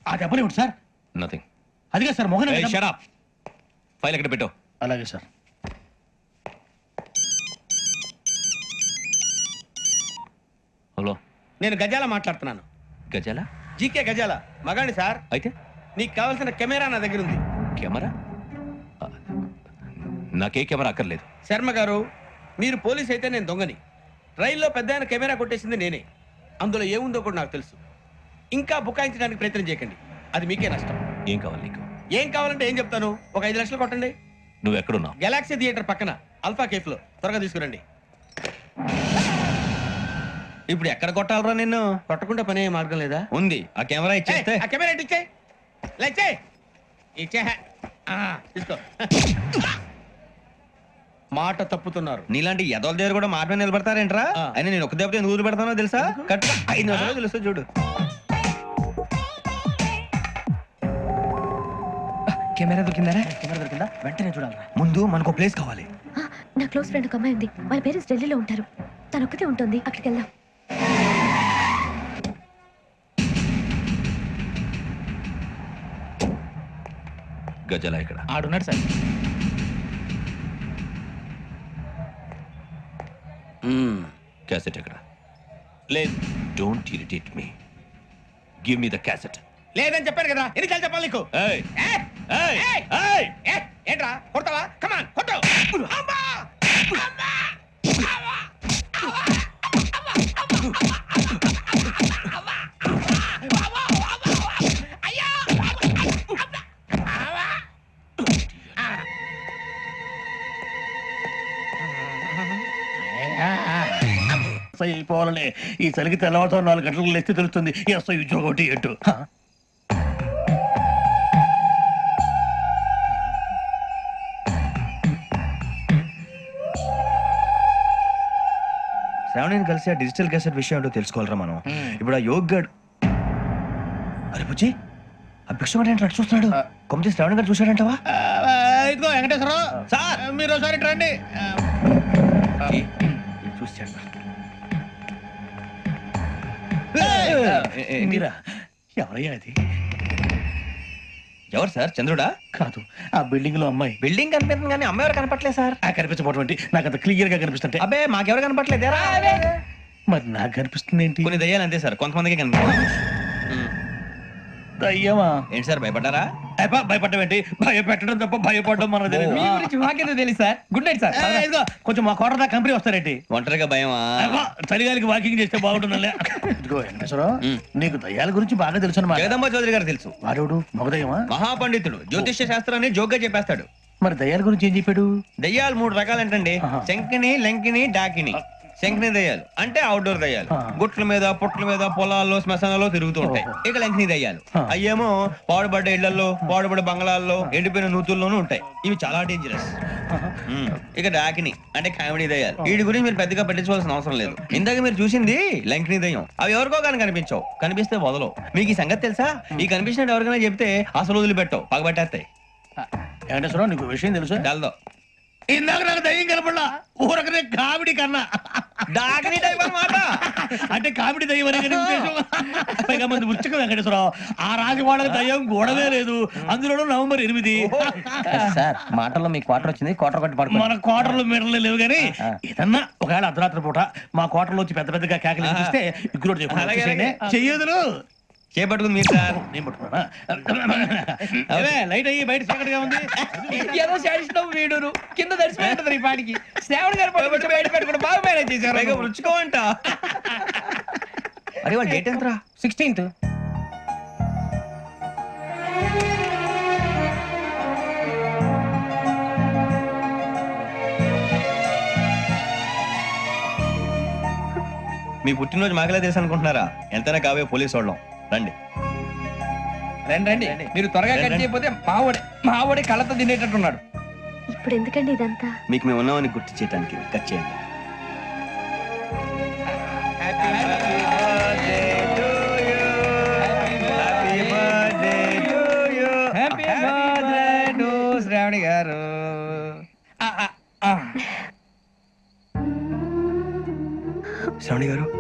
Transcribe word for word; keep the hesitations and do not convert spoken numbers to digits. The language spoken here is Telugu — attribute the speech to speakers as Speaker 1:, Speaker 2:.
Speaker 1: ఆ దెబ్బలు ఏమిటి సార్?
Speaker 2: నథింగ్.
Speaker 1: అదిగా sir Mohan.
Speaker 2: Shut up. File ఎక్కడ పెట్టు.
Speaker 1: అలాగే సార్.
Speaker 2: హలో,
Speaker 3: నేను గజాల మాట్లాడుతున్నాను.
Speaker 2: గజాల?
Speaker 3: జీకే గజాల మగాండి సార్.
Speaker 2: అయితే
Speaker 3: నీకు కావాల్సిన కెమెరా నా దగ్గర ఉంది.
Speaker 2: కెమెరా? నాకే కెమెరా అక్కర్లేదు.
Speaker 3: శర్మ గారు, మీరు పోలీస్ అయితే నేను దొంగని. రైల్లో పెద్ద ఆయన కెమెరా కొట్టేసింది నేనే. అందులో ఏముందో కూడా నాకు తెలుసు. ఇంకా బుకాయించడానికి ప్రయత్నం చేయకండి, అది మీకే నష్టం.
Speaker 2: ఏం కావాలి నీకు?
Speaker 3: ఏం కావాలంటే ఏం చెప్తాను. ఒక ఐదు లక్షలు కొట్టండి.
Speaker 2: నువ్వు ఎక్కడున్నావు?
Speaker 3: గెలాక్సీ థియేటర్ పక్కన అల్ఫా కేఫ్ లో. త్వరగా తీసుకురండి.
Speaker 4: ఇప్పుడు ఎక్కడ కొట్టాలరా నిన్ను?
Speaker 3: కొట్టకుండా పనే మార్గం లేదా?
Speaker 4: ఉంది. ఆ కెమెరా ఇచ్చేస్తే.
Speaker 3: ఆ కెమెరా ఇచ్చే లేచే ఇచ్చే తీసుకో. మాట తప్పుతున్నారు.
Speaker 4: నీలాంటి ఎదల దగ్గర కూడా మాట మీద నిలబడతారేంట్రా? అయినా నేను ఒక దెబ్బతో ఎందుకు ఊరు పెడతానో తెలుసా? కట్ ఐదు నిమిషాలు తెలుస్తా చూడు.
Speaker 5: కెమెరా దొరికిందా?
Speaker 1: కెమెరా దొరికిందా? వెంటనే చూడాలరా.
Speaker 4: ముందు మనకు ప్లేస్ కావాలి.
Speaker 6: నా క్లోజ్ ఫ్రెండ్ ఒక అమ్మాయి ఉంది. వాళ్ళ పేరెంట్స్ ఢిల్లీలో ఉంటారు. తను ఒక్కతే ఉంటుంది. అక్కడికి వెళ్దాం.
Speaker 2: గజాల ఇక్కడ
Speaker 1: ఆడున్నాడు సార్.
Speaker 2: క్యాసెట్ ఎక్కడ? లేదు. Don't irritate me. Give me the cassette.
Speaker 3: లేదని చెప్పాను కదా, ఎన్నిసార్లు చెప్పాలి నీకు?
Speaker 2: ఏయ్
Speaker 3: ఏయ్!
Speaker 2: ఏయ్
Speaker 3: ఏయ్!
Speaker 2: ఏయ్
Speaker 3: ఏయ్! ఏంట్రా కొడతావా? కమాన్ కొట్టు. అమ్మా! అమ్మా! అమ్మా!
Speaker 1: అయిపోవాలని ఈ చలికి తెల్లవారుతో నాలుగు గంటలకు లేస్తే తెలుస్తుంది ఎస్ఐ ఉద్యోగం ఒకటి ఎటు.
Speaker 4: శ్రావణిని కలిసి ఆ డిజిటల్ క్యాసెట్ విషయం ఏంటో తెలుసుకోవాలరా మనం. ఇప్పుడు ఆ యోగ్ గడ్ అరే బుజ్జి, ఆ భిక్షం అంటే అటు చూస్తున్నాడు. కొమ్మతి శ్రావణి గారు చూశాడంటవా?
Speaker 3: ఇదిగో వెంకటేశ్వరరావు సార్, మీరు ఒకసారి రండి.
Speaker 4: చూశాడు.
Speaker 1: మీరా? ఎవరయ్యా అది?
Speaker 4: ఎవరు సార్? చంద్రుడా?
Speaker 1: కాదు, ఆ బిల్డింగ్ లో అమ్మాయి.
Speaker 4: బిల్డింగ్ కనిపిస్తుంది కానీ అమ్మాయి ఎవరు కనపట్లేదు సార్.
Speaker 1: ఆ కనిపించబోటువంటి నాకు అంత క్లియర్ గా కనిపిస్తుంటే.
Speaker 4: అబ్బే మాకెవరు కనపట్లేదు.
Speaker 1: మరి నాకు కనిపిస్తుంది ఏంటి?
Speaker 4: కొన్ని దయ్యాలు అంతే సార్, కొంతమందికి కనిపిస్తుంది.
Speaker 1: దయ్యమా?
Speaker 4: ఏంటి సార్ భయపడ్డారా?
Speaker 1: భయపడడం ఏంటి? భయపెట్టడం తప్ప భయపడడం మనకు తెలియదు.
Speaker 5: మీ గురించి మాకేదో తెలుసు సార్. Good night sir.
Speaker 1: ఇదిగో కొంచెం మా కోట దాకా కంపెనీ వస్తారేంటి?
Speaker 4: ఒంటరిగా భయమా?
Speaker 1: చలిగాలికి వాకింగ్ చేస్తే బాగుంటుందిలే. ఇదిగో వెంకటేశ్వరరావు, నీకు దయ్యాల గురించి బాగా తెలుసు అన్నమాట.
Speaker 4: జగదంబ చౌదరి గారు తెలుసు.
Speaker 1: వాడేవుడు? మగదయ్యమా?
Speaker 4: మహాపండితుడు, జ్యోతిష్య శాస్త్రాన్ని జోగ్గా చెప్పేస్తాడు.
Speaker 1: మరి దయ్యాల గురించి ఏం చెప్పాడు?
Speaker 4: దయ్యాలు మూడు రకాలంటండి. శంకిని, లంకిని, డాకిని. శంకిని దయ్యాలు అంటే అవుట్డోర్ దయ్యాలు. గుట్ల మీద, పుట్ల మీద, పొలాల్లో, శ్మశానాల్లో తిరుగుతూ ఉంటాయి. ఇక లంకిని దయ్యాలు అయ్యేమో పాడుబడ్డ ఇళ్లలో, పాడుబడ్డ బంగ్లాల్లో, ఎండిపోయిన నూతుల్లోనూ ఉంటాయి. ఇవి చాలా డేంజరస్. ఇక డాకిని అంటే కామెడీ దయ్యాలు. వీటి గురించి మీరు పెద్దగా పట్టించుకోవాల్సిన అవసరం లేదు. ఇందాక మీరు చూసింది లంకిని దయ్యం. అవి ఎవరికో కానీ కనిపించవు, కనిపిస్తే వదలవు. మీకు ఈ సంగతి తెలుసా? ఈ కనిపించినట్టు ఎవరికైనా చెప్తే అసలు వదిలిపెట్టవు, పగబట్టేస్తాయి.
Speaker 1: వెంకటేశ్వరరావు, నీకు విషయం తెలుసు?
Speaker 4: డల్దో
Speaker 1: ఇందాక నాకు దయ్యం కనపడలా, ఊరకనే కామెడీ కన్నా.
Speaker 4: డాకిని టైప్ అన్నమాట.
Speaker 1: అంటే కామెడీ దయ్యం అనే కదా ఉద్దేశం. పైగా మంది ఉచ్చక వెంకటేశ్వరరావు, ఆ రాజు వాళ్ళకి దయ్యం గొడవే లేదు. అందులోనూ నవంబర్ ఎనిమిది.
Speaker 5: సార్ మాటల్లో మీకు క్వార్టర్ వచ్చింది. క్వార్టర్ కొట్టి పడుకో.
Speaker 1: మన క్వార్టర్లు మీటర్లు లేవు కానీ ఏదన్నా ఒకవేళ అర్ధరాత్రి పూట మా క్వార్టర్లో వచ్చి పెద్ద పెద్దగా కేకలు చూస్తే ఇగ్గురు చెయ్యదులు
Speaker 4: చేపట్టుకుంది మీరు సార్.
Speaker 1: నేను పట్టుకున్నా. లైట్ అయ్యి బయట చీకటిగా ఉంది.
Speaker 5: ఏదో శాడిస్తాం వీడును కింద దర్శనం ఈ పాటికి. శ్రావణ్ గారు పట్టుకొచ్చి బయట పెట్టుకుంటే బాగా మేనేజ్ చేశారు.
Speaker 4: రుచుకోవంట. అరే వాళ్ళు డేట్ ఎంతరా?
Speaker 5: సిక్స్టీన్త్.
Speaker 4: మీ పుట్టినరోజు మాకలే తెలుసు అనుకుంటున్నారా? ఎంతైనా కావే పోలీసు వాళ్ళం. రండి
Speaker 5: రండి రండి. మీరు త్వరగా కట్ చేయకపోతే మావడే మావడే కళ్ళతో తినేటట్టున్నాడు.
Speaker 6: ఇప్పుడు ఎందుకండి ఇదంతా?
Speaker 4: మీకు మేము ఉన్నామని గుర్తు చేయడానికి కట్ చేయండి.
Speaker 5: హ్యాపీ బర్త్డే టు శ్రావణి గారు.
Speaker 4: శ్రావణి గారు